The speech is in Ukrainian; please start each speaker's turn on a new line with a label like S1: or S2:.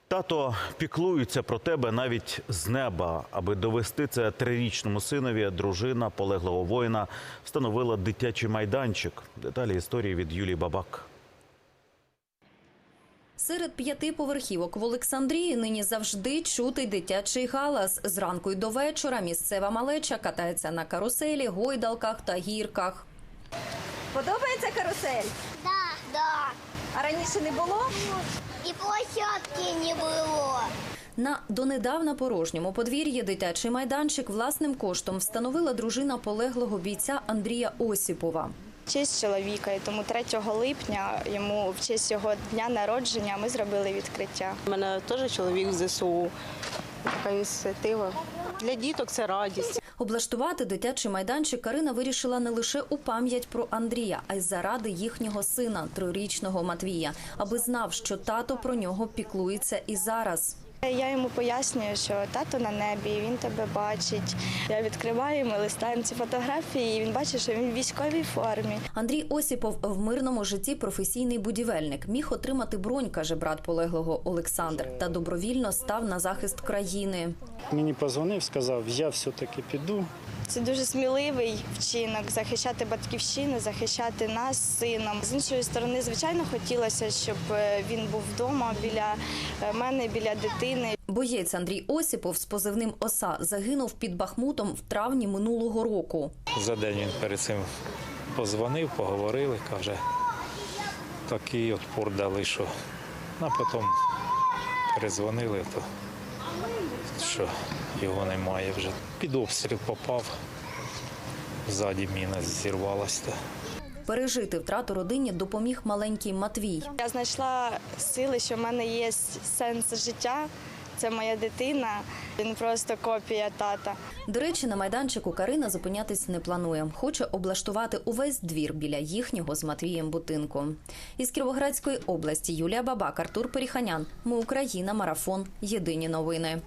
S1: Тато піклується про тебе навіть з неба. Аби довести це трирічному синові, дружина полеглого воїна встановила дитячий майданчик. Деталі історії від Юлії Бабак.
S2: Серед 5 поверхівок в Олександрії нині завжди чутий дитячий галас. Зранку й до вечора місцева малеча катається на каруселі, гойдалках та гірках.
S3: Подобається карусель?
S4: Да.
S3: А раніше не було?
S4: И площадки не было.
S2: На донедавна порожньому подвір'ї дитячий майданчик власним коштом встановила дружина полеглого бійця Андрія Осіпова.
S5: В честь чоловіка, і тому 3 липня йому в честь його дня народження ми зробили відкриття.
S6: У мене теж чоловік з ЗСУ. Така ініціатива. Для діток це радість.
S2: Облаштувати дитячий майданчик Карина вирішила не лише у пам'ять про Андрія, а й заради їхнього сина, 3-річного Матвія, аби знав, що тато про нього піклується і зараз.
S5: Я йому пояснюю, що тато на небі, він тебе бачить. Я відкриваю, ми листаємо ці фотографії, і він бачить, що він в військовій формі.
S2: Андрій Осіпов в мирному житті професійний будівельник. Міг отримати бронь, каже брат полеглого Олександр, та добровільно став на захист країни.
S7: Мені подзвонив, сказав, я все-таки піду.
S5: Це дуже сміливий вчинок – захищати батьківщину, захищати нас з сином. З іншої сторони, звичайно, хотілося, щоб він був вдома біля мене, біля дитини.
S2: Боєць Андрій Осіпов з позивним «Оса» загинув під Бахмутом в травні минулого року.
S8: За день він перед цим позвонив, поговорили, каже, такий отпор дали, що а потім перезвонили, то що його немає вже. Під обстріл попав, ззаді міна зірвалася.
S2: Пережити втрату родині допоміг маленький Матвій.
S5: Я знайшла сили, що в мене є сенс життя. Це моя дитина, він просто копія тата.
S2: До речі, на майданчику Карина зупинятись не планує. Хоче облаштувати увесь двір біля їхнього з Матвієм будинку. Із Кіровоградської області Юлія Бабак, Артур Періханян. Ми Україна. Марафон. Єдині новини.